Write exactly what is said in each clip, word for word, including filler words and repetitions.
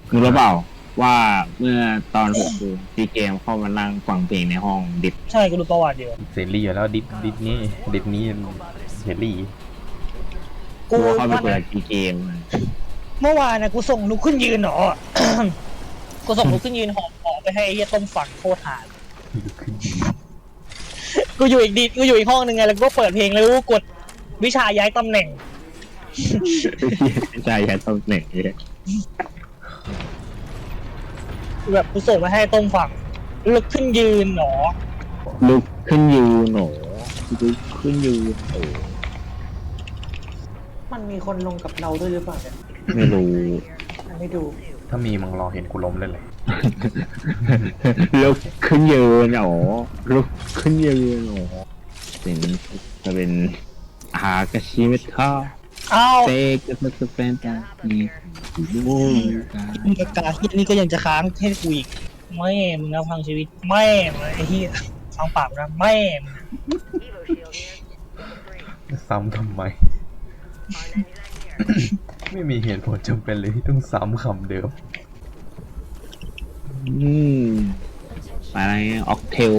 รู้หรือเปล่าว่าเมื่อตอนหกโมงซีเกมเข้ามานั่งฟังเพลงในห้องดิบใช่กูดูประวัติอยู่เสรีอยู่แล้วดิฟดิฟนี้ดิฟนี้เสรีกูกูเข้าไปเปิดซีเกมเมื่อวานนะกูส่งลุกขึ้นยืนหนอ กูส่งลุกขึ้นยืนหอบหอไปให้ไอ้เหี้ยต้มฝังโคตรหากูอยู่อีกดีกูอยู่อีกห้องนึงไงแล้วก็เปิดเพลงแล้วกูกดวิชาย้ายตำแหน่งใช่ใช่ตำแหน่งนี้แบบกูส่งไปให้ต้มฝังลุกขึ้นยืนหนอลุกขึ้นยืนหนูลุกขึ้นยืนโอ้มันมีคนลงกับเราด้วยหรือเปล่าเนี่ยไม่รู้ไม่ดูถ้ามีมึงรอเห็นกูล้มเลยเลยลุกขึ้นยืนหนูลุกขึ้นยืนหนูสิ่งนี้จะเป็นอากาชิเมทาอ้าวเตกจะจะเป็นตาอีดูกันมึงกากาเฮียนี่ก็ยังจะค้างให้กูอีกไม่มึงนะพังชีวิตไม่ไอ้เฮียฟังปากนะไม่มึงซ้ำทำไม ไม่มีเหตุผลจำเป็นเลยที่ต้องซ้ำคำเดิมอืมอะไรออกเทล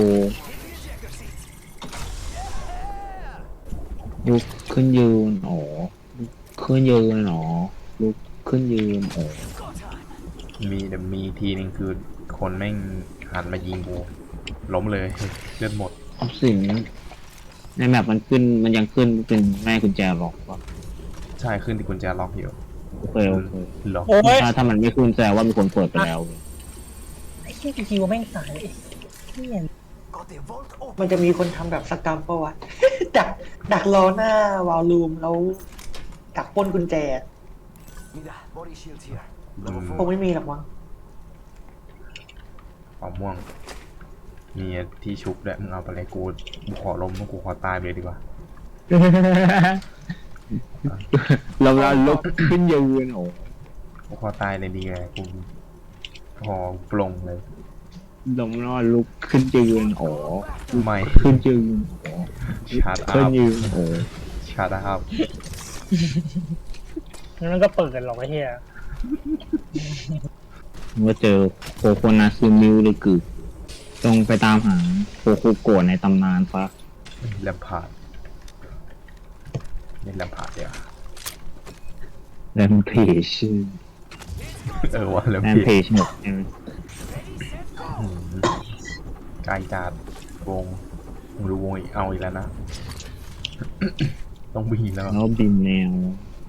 ลุกขึ้นยืนโอ้ลุกขึ้นยืนหนอลุกขึ้นยืนโอ้มีแต่มีทีนึงคือคนแม่งหันมายิงกูล้มเลยเลือดหมดออฟสินในแมปมันขึ้นมันยังขึ้นเป็นแม่กุญแจล็อกวะใช่ขึ้นที่กุญแจล็อกอยู่โอเคโอเคล็อกโอ้ยถ้าถ้ามันไม่ขึ้นแสดงว่ามีคนเปิดไปแล้วไอ้เฮียคิวแม่งตายไอ้เฮียมันจะมีคนทำแบบสกรรมปะวะ ดักดักรอหน้าวาลลุ่มแล้วดักปล้นกุญแจ Mira, body shield here. อืมคงไม่มีหรอกมั้งเป่าม่วง มีที่ชุบด้วยมึงเอาไปเลยกูกูขอล้มกูขอตายไปเลยดีกว่าเราเราลุกขึ้นยืนโอ้กูขอตายเลยดีไงกูพอปลงเลยลงนอนลุกขึ้นยืนโอ้ไม่ขึ้นยืนโอ้ชาร์จอัขึ้นพยืนโอ้ชาร์จอัพแล้วมันก็เปิดกันหรอกไอ้เฮียเมื่อเจอโคโคนาซึมิวเลยกึกต้องไปตามหาโคโคโกะในตำนานซะแลมพาร์ดนี่แลมพาร์ดเดียวแรมเพจชื่อเออว่าแลมแรมเพเพจจหมดใช่ไหมไกลจัดวงมึงรู้วงอีกเอาอีกแล้วนะ ต้องบินแล้วแล้วบินแนว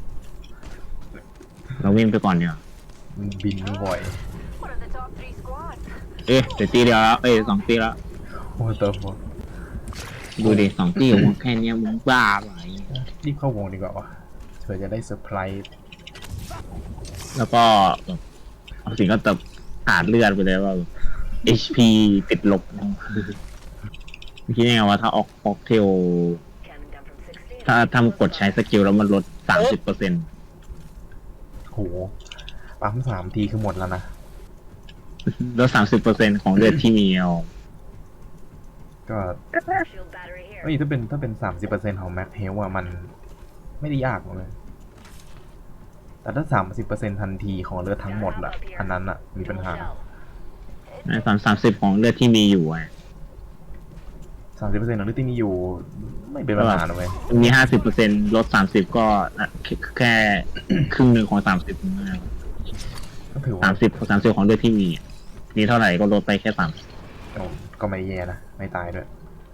เราวิ่งไปก่อนเดี๋ยวมันบินไม่บ่อย One of the top three squads. เอ๊ะเดี๋ยวตีเดียวแล้วเอ้ยสองตีแล้วโอ้เติมหมดดูดิสองตีของมึงแค่เนี้ยมึงบ้าไปรีบเข้าวงดีกว่าวะเผื่อจะได้เซอร์ไพรส์แล้วก็เอาสิ่งก็ตับขาดเลือดไปเลยว่า เอช พี ติดลบคิดยังไงว่าถ้าออกออกเทล Coming down from sixteen. ถ้าทำกดใช้สกิลแล้วมันลดสามสิบเปอร์เซ็นต์โหปั๊มสามทีคือหมดแล้วนะลดสามสิบเปอร์เซ็นต์ของเลือดที่มีเอาก็ Shield battery here. เฮ้ยถ้าเป็นถ้าเป็นสามสิบเปอร์เซ็นต์ของแม็กเฮลอะมันไม่ได้ยากเลย แต่ถ้าสามสิบเปอร์เซ็นต์ทันทีของเลือดทั้งหมดอะอันนั้นอะมีปัญหาในสามสามสิบของเลือดที่มีอยู่อ่ะสามสิบเปอร์เซ็นต์ของเลือดที่มีอยู่ไม่เป็นปัญหาเลยมีห้าสิบเปอร์เซ็นต์ลดสามสิบก็แค่ ครึ่งหนึ่งของสามสิบก็ถือว่าสามสิบสามสิบของเลือดที่มีมีเท่าไหร่ก็ลดไปแค่สามก็ไม่แย่นะ ไม่ตายด้วย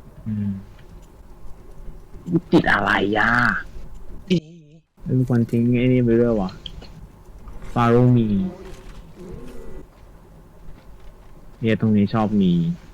ติดอะไรย่าเป็นคนทิ้งไอ้นี่ไปด้วยวะฟาโรมีเนี่ยตรงนี้ชอบมี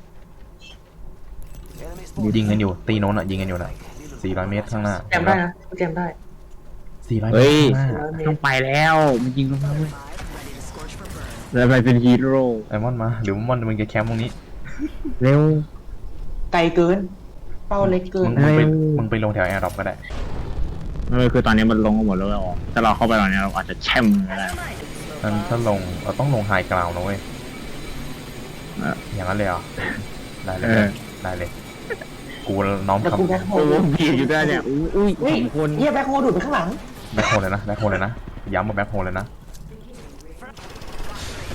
Enemies ยิงกันอยู่ ตีโน้นอะยิงกันอยู่นะสี่ร้อยเมตรข้างหน้าแจมได้นะแจมได้สี่ร้อยเมเฮ้ตรยข้างหน้าต้องไปแล้วมันยิงลงมาเว้ยแล้วไปเป็นฮีโร่ไอมอนมาหรือมอนมึงจะแคมป์ตรงนี้เร็วไกลเกิน เป้าเล็กเกิมึนงมึงไปเร็วมึงไปลงแถวแอร์ดรอปก็ได้เออคือตอนนี้มันลงกันหมดแล้วอ่ะถ้าเราเข้าไปตอนนี้เราอาจจะแช่มก็ได้ถ้าถ้าลงเราต้องลงไฮกราวน์นะเว้ยเอออย่างนั้นเลยเหรอ ได้เลยเออได้เลย กูน้อมแล้วกูแบ็คคำโฮโอ้ลโหบีบอยู่ด้วยเนี่ยอุ้ยอุ้ยอุ้ยสองคนเฮียแบ็คโฮลดูดไปข้างหลังแบ็คโฮลเลยนะแบ็คโฮลเลยนะย้ำว่าแบ็คโฮลเลยนะ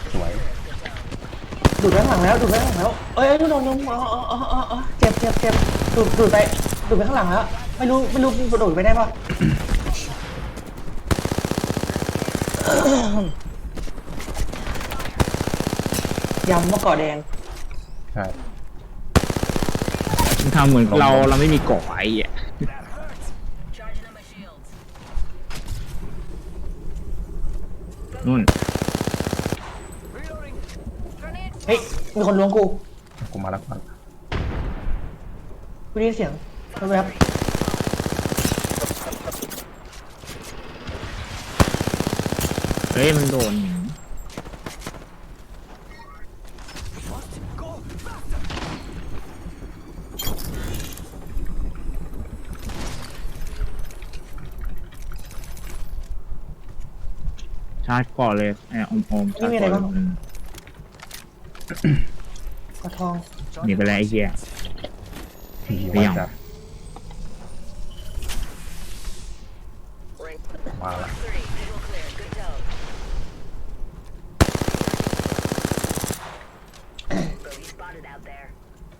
ดูดไปข้างหลังแล้วดูดไปข้างหลังแล้วเอ้ยโดนโดนอ๋ออ๋ออ๋ออ๋อเจ็บเจ็บเจ็บดูดดูดไปดูดไปข้างหลังแล้วไม่รู้ไม่รู้กระโดดไปได้ปะ ยำมะกอกแดงใช่มันทำเหมือนเราเราไม่มีเกาะไอ้อะ Charging on my shields. นู่น Reloading. Grenade. เฮ้ยมีคนล้วงกูกูมาแล้วก่อนกูได้ยินเสียงแวบเฮ้ยมันโดนชาร์จก่อนเลยไอ้อมอมชาร์จก่อนเลยกระทองหนีไปแล้วไอ้เหี้ยผีไม่มาเอาจัด Ring. มาละ Three. Visual clear. Good tone. Bogey spotted out there.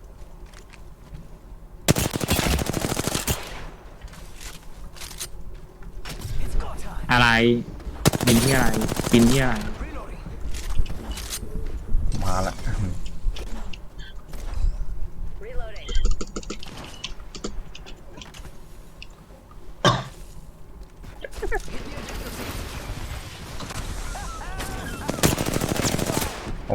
อะไรบินที่อะไรบินที่อะไรมาละ Reloading. โอ้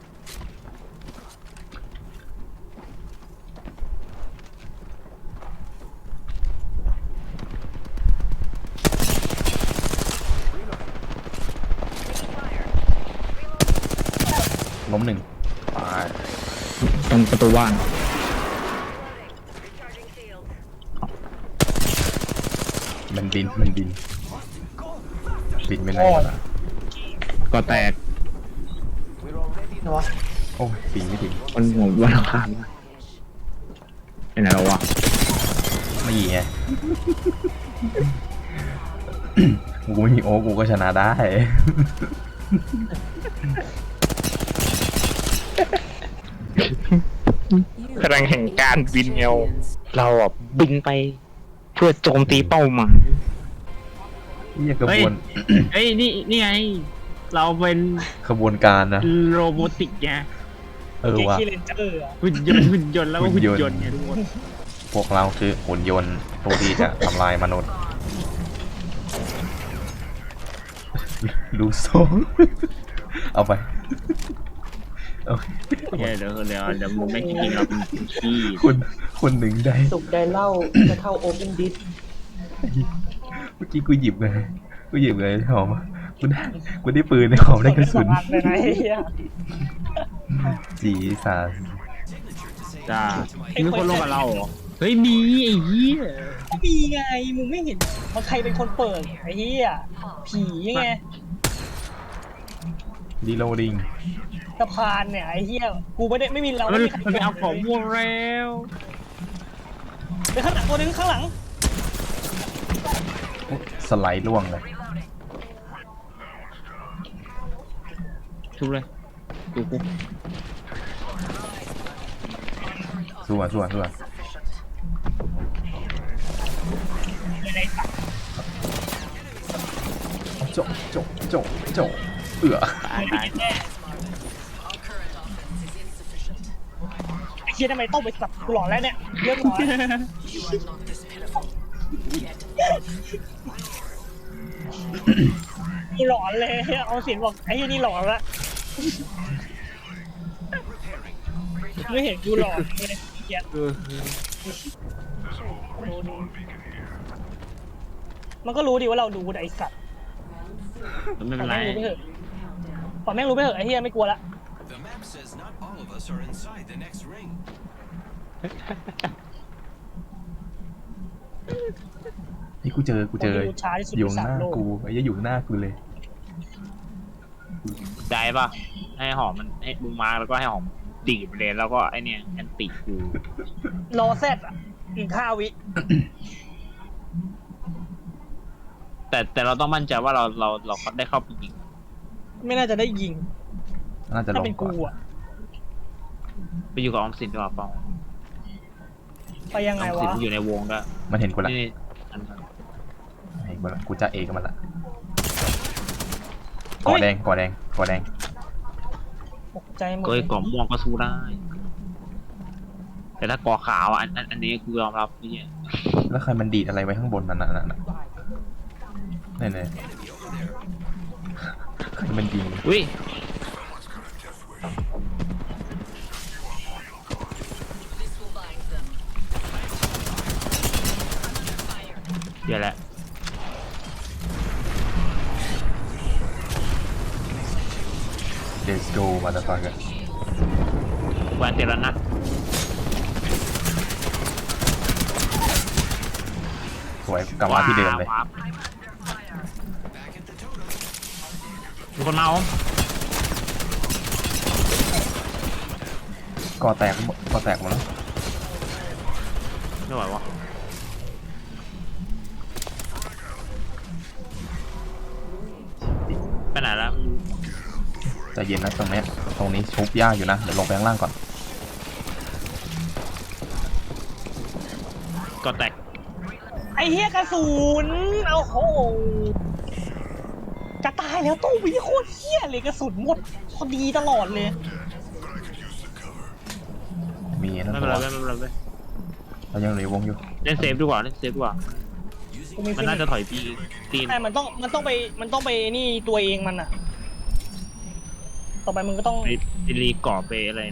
ล้มหนึ่งตายตรงประตูบ้าน Recharging shields. มันบินมันบินบินไปไหนกันล่ะก็แตก We're already นะวะโอ้ยปีนไม่ถึงคนหัววันอังคารเป็นไหนแล้ววะไม่ยิงไง กูไม่มีโอ้กูก็ชนะได้พลังแห่งการบินเงาเราอ่ะบินไปเพื่อโจมตีเป้าหมายนี่กระบวนเฮ้ยนี่นี่ไงเราเป็นขบวนการนะโรบอติกไงเออว่ะเกเลนเจอร์อะหุ่นยนต์หุ่นยนต์แล้วก็หุ่หุ่นนยนต์ยนต์ไงทุกคนพวกเราคือหุ่นยนต์ตัวที่จะทำลายมนุษย์ ลูโซ เอาไปเอาเดี๋ยวเดี๋ยวเดี๋ยวเดี๋ยวมึงไม่จริงๆเราเป็นขี้คนคนหนึ่งได้สุกได้เหล่าจะเข้าโอเพนดิสเมื่อกี้กูหยิบเลยกูหยิบเลยหอมกูได้กูได้ปืนในหอมได้กระสุนเลยนะไอ้เหี้ยสีสานจ้ามีคนลงกับเราเหรอเฮ้ยมีไอ้เหี้ยมีไงมึงไม่เห็นว่าใครเป็นคนเปิดไอ้เหี้ยผีไงรีโหลดิ้งสะพานเนี่ยไอ้เหี้ยกูไม่ได้ไม่มีเรามันไม่มีใครมันไปเอาของม่วงแล้วไปข้างหลังตัวนึงข้างหลังสไลด์ล่วงเลยชุบเลยดูกูสู้อ่ะสู้อ่ะสู้อ่ะโจะโจะโจะโจะเอือตายตายไอ้เหี้ยทำไมต้องไปสับกูหลอนแล้วเนี่ยเรื่องหลอนกูหลอนเลยเอาเสียงบอกไอ้เหี้ยนี่หลอนละไม่เห็นกูหลอนเลยเหี้ยมันก็รู้ดีว่าเราดูไอ้สัตว์ไม่เป็นไรแม่งรู้ไปเถอะปล่อยแม่งรู้ไปเถอะไอ้เหี้ยไม่กลัวละ The map says not all of us are inside the next ring. นี่กูเจอกูเจอคนที่รู้ช้าที่สุดอยู่ข้างหน้าในสามโลกกูไอ้เหี้ยอยู่ข้างหน้ากูเลยใจป่ะให้หอมมันให้มึงมาแล้วก็ให้หอมดีดไปเลยแล้วก็ไอเนี่ยแอนติกูรอแซดอ่ะอีกห้าวิแต่แต่เราต้องมั่นใจว่าเราเราเราได้เข้าไปยิงไม่น่าจะได้ยิงน่าจะลถ้าง เป็นก่อกูนอ่ะไปอยู่กับออมสินดีกว่าเปล่าไปยังอไงอมสินวะอยู่ในวงก็มันเห็นกูละนี่อันนั้นเห็นกูละกูจะเอกับมันละก่อแดงก่อแดงก่อแดงตกใจหมดเกยกล่อมม่วงก็สู้ได้ แต่ถ้ากอขาวอ่ะอันอันอันนี้กูยอมรับนี่แล้วใครมันดีดอะไรไว้ข้างบนนั่นน่ะนั่นน่ะนี่นี่ใครมันดีดอุ้ย เดี๋ยวแหละเดสโกมาตะฟังกันแวนเตลนัทสวยกลับมาที่เดิมเลยว้าวมีคนมาอมก่อแตกหมดก่อแตกหมดแล้วไม่ไหววะไปไหนแล้วใจเย็นนะตรงเนี้ยตรงนี้ชุบยากอยู่นะเดี๋ยวลงไปข้างล่างก่อนก็แตกไอ้เหี้ยกระสุนเอาโหจะตายแล้วตู้วิโคตรเหี้ยเลยกระสุนหมดพอดีตลอดเลยมีนั่นไม่ตัเป็นวไรไม่เป็นไรไม่เป็นไรเรายังเหลือวงอยู่เล่นเซฟดีกว่าเล่นเซฟดีกว่ากูมีมันน่าจะถอยปีตีนแต่มันต้องมันต้องไปมันต้องไปนี่ตัวเองมันอะต่อไปมึงก็ต้องไปไปรีกรอบไปอะไร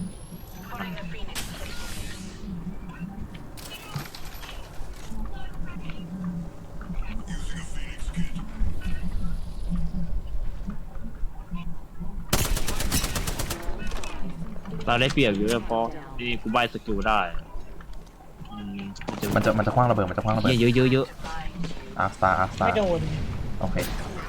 เราได้เปรียบอยู่เพราะนี่กูใบสกิลได้อืมมันจะมันจะคว้างระเบิดมันจะคว้างระเบิดเยอะเยอะเยอะอาร์สตาร์อาร์สตาไม่ร์โดนโอเค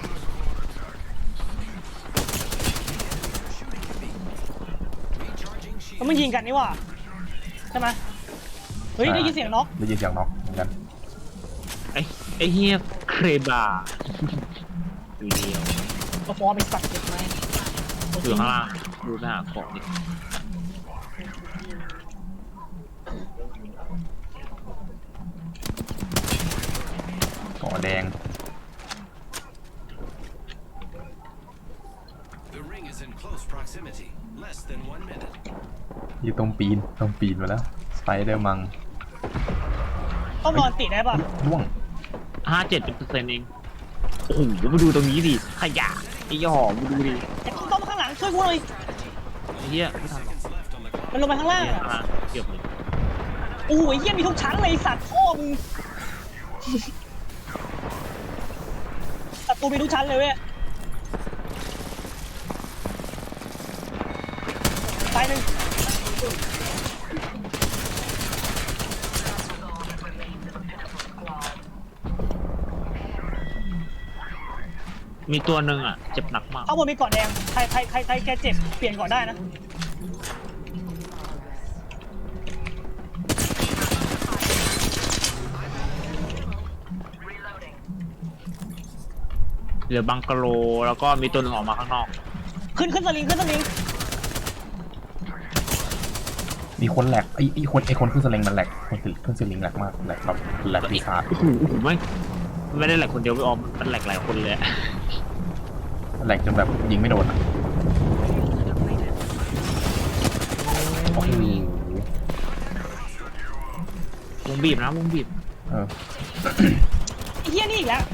แล้วมันยิงกันนี่หว่าใช่ไหมเฮ้ยได้ยินเสียงน็อกได้ยินเสียงน็อกเหมือนกันไอ้ไอ้เฮียเครบาอยู่เดียวตัวฟอร์มเป็นสัตว์เจ็บไหมอยู่ข้างล่างดูหน้าเกาะดิก่อแดง The ring is in close proximity. Less than one minute. อยู่ตรงปีนตรงปีนมาแล้วสไปเดอร์มังต้องนอนติดได้ป่ะร่วงห้าเจ็ดเปอร์เซ็นต์เองโอ้โหมาดูตรงนี้ดิขยะไอ้ย่อมาดูดิแต่ต้องต้องมาข้างหลังช่วยกูหน่อยไอ้เฮียไม่ทันหรอก Seconds left on the clock. มันลงไปข้างล่างเนี่ยอะข้างล่างเกือบเลยโอ้ยเหี้ยมีทุกชั้นเลยไอ้สัตว์พ่อมึงศัตรูมีทุกชั้นเลยเว้ยตายหนึ่งมีตัวหนึ่งอ่ะเจ็บหนักมากข้างบนมีเกาะแดงใครใครใครใครแกเจ็บเปลี่ยนเกาะได้นะเหลือบังกะโลแล้วก็มีตัวหนึ่งออกมาข้างนอกขึ้นขึ้นสลิงขึ้นสลิงมีคนแหลกไอ้ไอ้คนไอ้คนขึ้นสลิงมันแหลกคนขึ้นสลิงแหลกมากแหลกแบบแหลกปีศาจโอ้โหไม่ไม่ได้แหลกคนเดียวไม่ออมมันแหลกหลายคนเลยอะแหลกจนแบบยิงไม่โดนอะโอ้โหวงบีบนะวงบีบเออไอ้เหี้ยนี่อีกแล้ว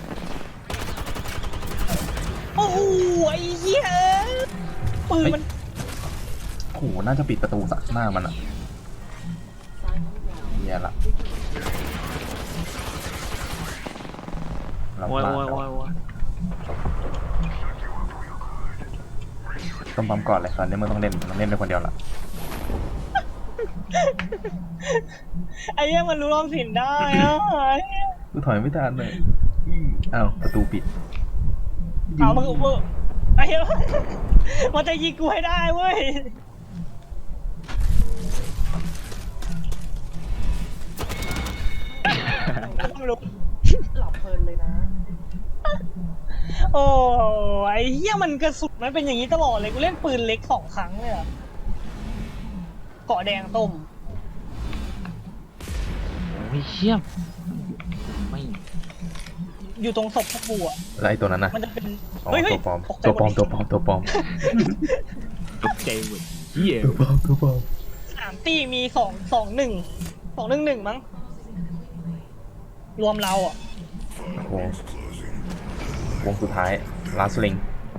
โอ้โหไอ้เหี้ยปืนมันโอ้โหน่าจะปิดประตูสักหน้ามันอะแย่ละเราโอ้ยพลาดโอ้ยแล้วโอ้ยโอ้ยต้องปั๊มก่อนเลยตอนนี้มึงต้องเล่นต้องเล่นเป็นคนเดียวละไอ้เหี้ยมันรู้รอบสินได้อะไอ้เหี้ยกูถอยไม่ทันเลยอ้าวประตูปิดเอามึงมึงไอ้เหี้ยมันจะยิงกูให้ได้เว้ยไม่รู้หลับเพลินเลยนะโอ้ไอ้เหี้ยมันกระสุนมันเป็นอย่างนี้ตลอดเลยกูเล่นปืนเล็กสองครั้งเลยอะเกาะแดงต้มโอ้ยเชี่ยมไม่อยู่ตรงศพพวกกูอ่ะแล้วไอ้ตัวนั้นน่ะมันจะเป็นอ๋อเฮ้ยเฮ้ยตัวปลอมตกใจตัวปลอมหดตัวปลอมตัวปลอมตกใจหมดเฮียตัวปลอมตัวปลอมสามตีมีสองสองหนึ่งสองหนึ่งหนึ่งมั้งรวมเราอ่ะวงวงสุดท้ายลาสลิง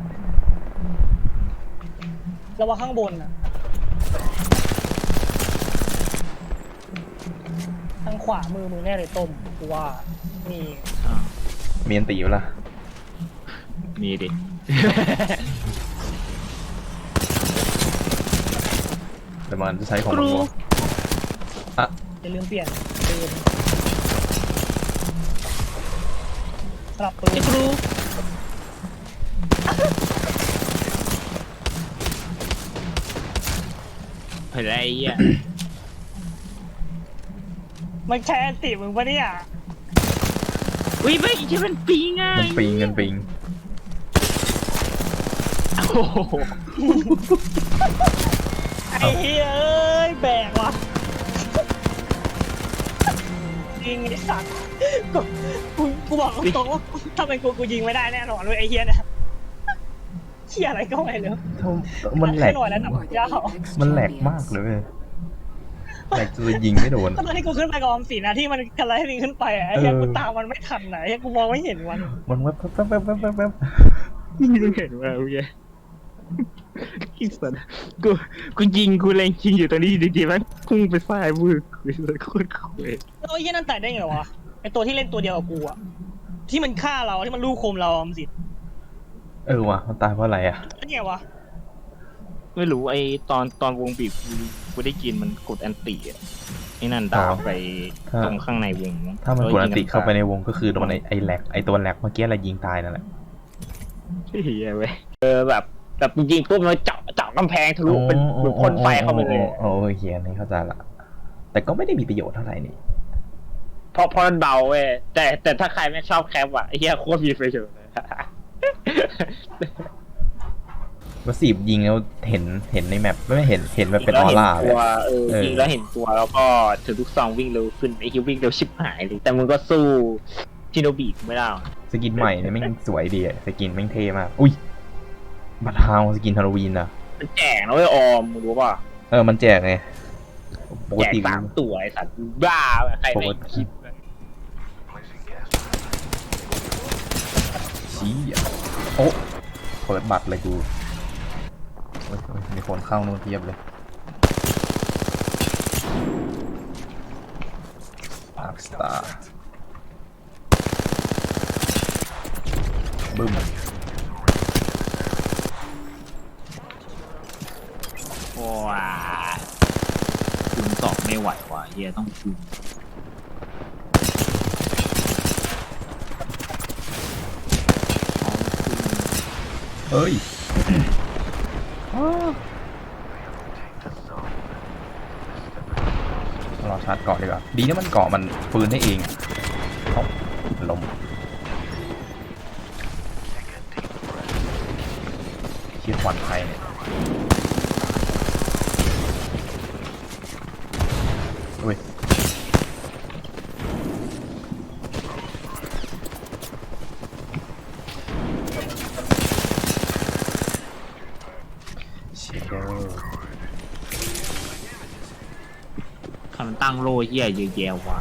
ระวังข้างบนอ่ะทางขวามือมือแน่เลยต้มกูว่านี่เมียนตีอยู่ละมีดิแต่มันจะใช้ของมันวะอ่ะอย่าลืมเปลี่ยนปืนสลับปืนครูอะไรเงี้ยมันแชร์ติมึงปะเนี่ยอุ้ยไม่ใช่มันปีง่ายมันปิงกันปิงโอ้โหไอ้เฮ้ยเอ้ยแบกว่ะยิงไอ้สัตว์กูกูกูบอกตรงๆว่าถ้าเป็นกูกูยิงไม่ได้แน่นอนเลยไอ้เฮียเนี่ยเฮียอะไรก็ไม่รู้มันแหลกหน่อยแล้วหนักยาวมันแหลกมากเลยเว้ยแหลกจนยิงไม่โดนตอนที่กูขึ้นไปกับออมสินนะที่มันกระไรให้มึงขึ้นไปอ่ะไอ้เฮียเออกูตามมันไม่ทันไหนกูมองไม่เห็นมันมันแวบแวบแวบแวบแวบแวบมึงเห็นว่าโอเคกิสันกูกูยิงกูเล็งยิงอยู่ตรงนี้อยู่ดีๆมันพุ่งไปซ้ายมือกูเลยโคตรคุยแล้วไอ้เฮียนั่นตายได้ไงวะไอ้ตัวที่เล่นตัวเดียวกับกูอ่ะที่มันฆ่าเราที่มันลูกโคมเราออมสินเออว่ะมันตายเพราะอะไรอ่ะนั่นไงวะไม่รู้ไอ้ตอนตอนวงบีบกูกูได้ยินมันกดแอนตี้อ่ะไอ้นั่นดาวไปตรงข้างในวงถ้ามันกดอันติเข้าไปในวงก็คือโดนไอ้ไอ้แหลกไอ้ตัวแหลกเมื่อกี้อะไรยิงตายนั่นแหละเฮียเว้ยเออแบบแบบจริงๆปุ๊บมันเจาะเจาะกำแพงทะลุเป็นเหมือนพ่นไฟเข้าไปเลยโอ้โหเฮียนี่เข้าใจละแต่ก็ไม่ได้มีประโยชน์เท่าไหร่นี่เพราะเพราะมันเบาเว้ยแต่แต่ถ้าใครไม่ชอบแคปอ่ะไอ้เหี้ยโคตรมีประโยชน์เลยว่าสีบยิงแล้วเห็นเห็นในแมปไม่เห็นเห็นแบบเป็นออร่าเลยตัวเออเออยิงแล้วเห็นตัวแล้วก็ถือลูกซองวิ่งเร็วขึ้นไอ้คิววิ่งเร็วชิบหายเลยแต่มึงก็สู้ชิโนบิไม่ได้หรอกสกินใหม่เนี่ยแม่งสวยดีอะสกินแม่งเท่มากอุ้ยบัตรฮาวสกินฮาโลวีนอะมันแจกนะเว้ยออมมึงรู้ป่ะเออมันแจกไงปกแจกติสามตัวไอ้สัตว์บ้าว่ะใครไม่คิดชี้อ่ะโอ้เปิดบัตรเลยกูโอ้ยโอ้ยมีคนเข้านู่นเทียบเลยพาร์คสตาร์บึ้มว้าคูณสองไม่ไหวว่ะเฮียต้องคูณเฮ้ยรอชาร์จเกาะดีกว่าดีนะมันเกาะมันฟื้นได้เองเอ้าลมเชี่ยควันไฟเนี่ยอุ้ยเชี่ยเด้อคำตั้งโลเฮียเยอะแยะว่ะ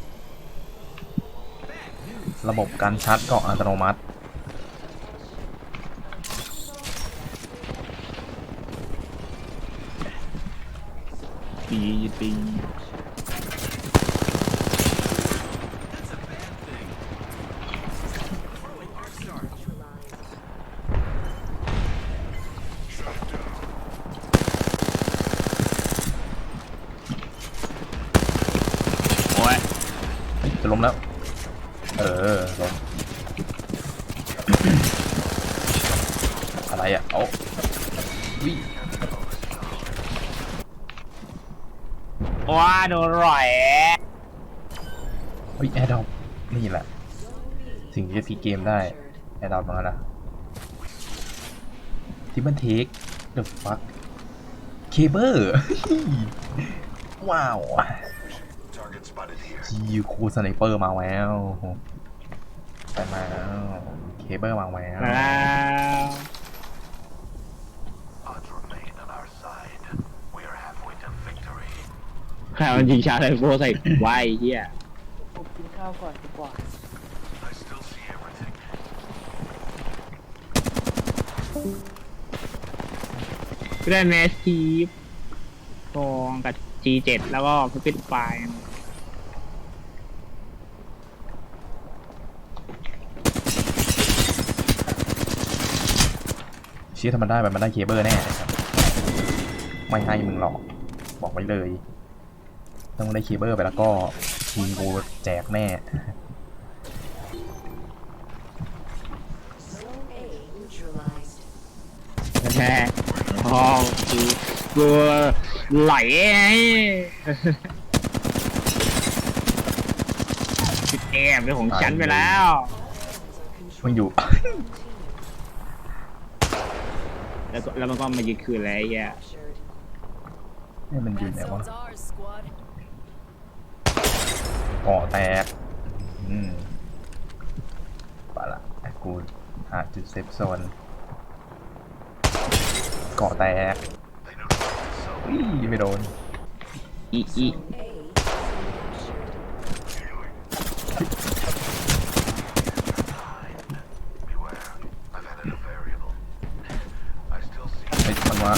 ระบบการชาร์จเกาะอัตโนมัติตีตีโอ้ยเฮ้ยจะล้มแล้ว เออล้ม อะไรอ่ะโอ้วิว้าโดนร่อยเฮ้ยแอร์ดอปนี่แหละ สิ่งที่จะพีเกมได้ แอร์ดอปมาแล้วนะที่มันเทค the fuck เคเบิล ว้าวจีคูสไนเปอร์มาแล้วไปมาแล้วเคเบิลมาแล้วมาแล้ว ใครมันยิงชาไซโฟใส่ไว้เฮียผมกินข้าวก่อนดีกว่าก็ได้แมสทีฟทองกับ จี เจ็ด แล้วก็พิษไฟเชี่ยถ้ามันได้มันได้เคเบิลแน่นะครับไม่ให้มึงหรอกบอกไว้เลยต้องได้เคเบิลไปแล้วก็ทีมกูแจกแน่แม่ทองคือกูไหลไงแอบเป็นของฉันไปแล้วมันอยู่แล้วก็แล้วมันก็มายึดคืนแล้วไอ้เหี้ยนี่มันอยู่ไหนวะก่อแตกอืมไปละไอ้กูหาจุดเซฟโซนก่อแตกอุ้ยไม่โดนอีอีไอ้มันว่า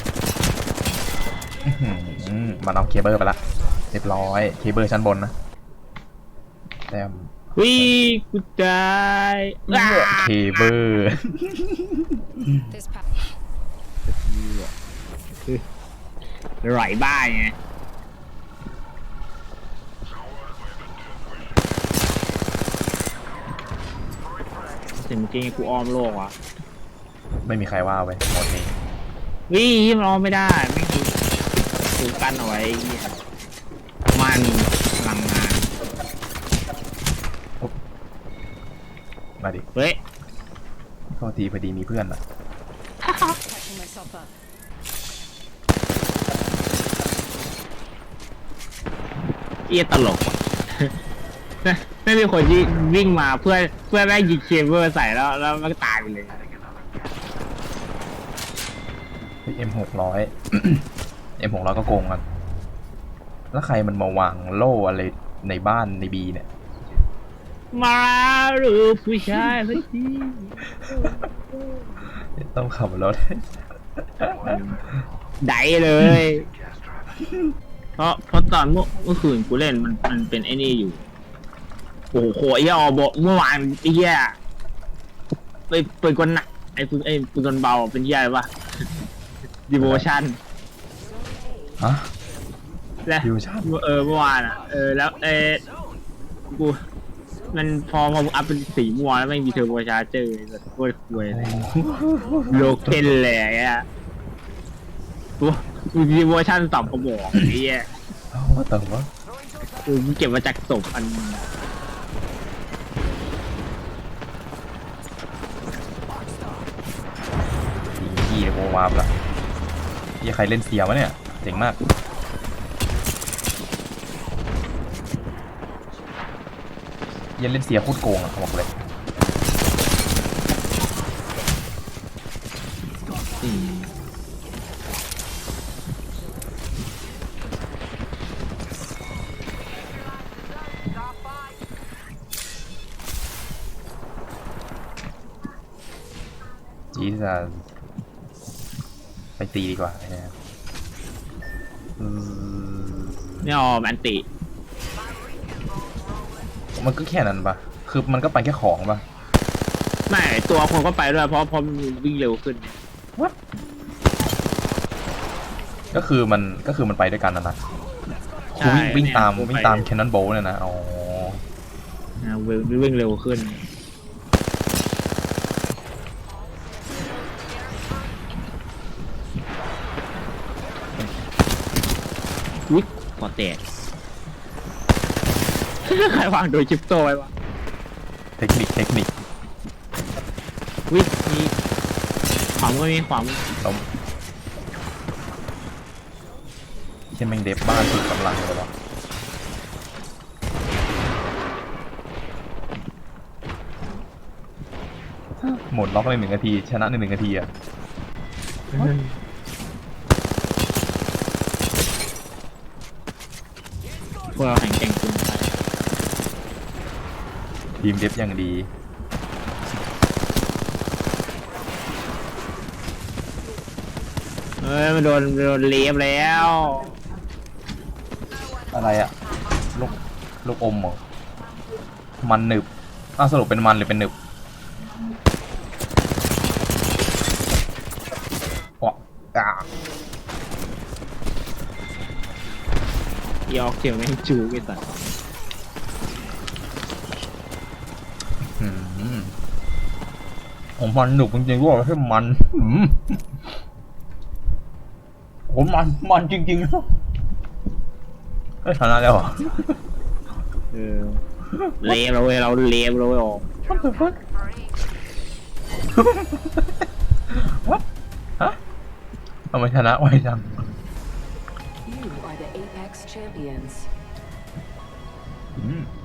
อื้อหือมันเอาเคเบิลไปละเรียบร้อยเคเบิลชั้นบนนะแต้มวิกูตายเคเบิลไหลบ้าไงเสียงเมื่อกี้กูอ้อมโลกว่ะไม่มีใครว่าเว้ยหมดนี้วิมันอ้อมไม่ได้ไม่มีถูกกันเอาไว้ไอ้เหี้ยมันพลังงานมาดิเฮ้ยโทษทีพอดีมีเพื่อนอะเอี้ยตลกว่ะ ไม่มีคนยิงวิ่งมาเพื่อเพื่อแม่งยิงเคเบิลใส่แล้วแล้วมันก็ตายไปเลยเอ็มหกร้อย เอ็มหกร้อยก็โกงกันแล้วใครมันมาวางโล่อะไรในบ้านในบีเนี่ยมาหรือผู้ชายสักทีต้องขับรถได้เลย เพราะเพราะตอนเมื่อเมื่อคืนกูเล่นมันมันเป็นไอ้นี่อยู่ โอ้โหไอ้เหี้ยอบอกเมื่อวานไอ้เหี้ยไปปืนกลหนักไอ้ปืนไอ้ปืนกลเบาเป็นเหี้ยอะไรวะดิโวชั่นฮะและ Devotion เออเมื่อวานอ่ะเออแล้วเออกูมันพอมาอัพเป็นสีม่วงแล้วไม่มีเทอร์โบชาร์เจอร์แบบโคตรคุยเลยโลเคนเลยไอ่ะกูมีเวอร์ชันสองกระบอกไอ้เหี้ยเอ้าว่าแต่ว่ากูเก็บมาจากศพอันสีกี้โมวาร์ปละยี่ใครเล่นเสียวะเนี่ยเจ๋งมากยันเล่นเสียโคตรโกงอ่ะบอกเลยอืมจีจะไปตีดีกว่าเนี่ยอืมเนี่ยออมแอนติมันก็แค่นั้นปะคือมันก็ไปแค่ของปะไม่ตัวคนก็ไปด้วยเพราะเพราะมันวิ่งเร็วขึ้นก็คือมันก็คือมันไปด้วยกันนะนะคือวิ่งวิ่งตามวิ่งตามแคนนอนโบลเนี่ยนะอ๋อนะวิ่งวิ่งเร็วขึ้นอุ๊ยพอแตก ใครวางโดยชิปโตไว้วะเทคนิคเทคนิควิมีความก็มีความล้มช่แม่งเดฟบ้านสุดกำลังเลยวะหมดล็อกในหนึ่งนาที ชนะในหนึ่งนาทีอะพวกเราแข่งแข่งจริงไปทีมเดฟอย่างดีเฮ้ยมันโดนโดนเลียบแล้วอะไรอะลูกลูกอมเหรอมันหนึบอ้าวสรุปเป็นมันหรือเป็นหนึบวะกายอกเขียวแม่งจูไปตัดอืมผมมันหนุกจริงๆว่าให้มันอืมผมมันมันจริงๆเฮ้ยชนะแล้วเหรอเออเลียบเราเว้ยเราเลียบเราเว้ยออกฮะทำไมชนะไวจัง You are the Apex champions. อืม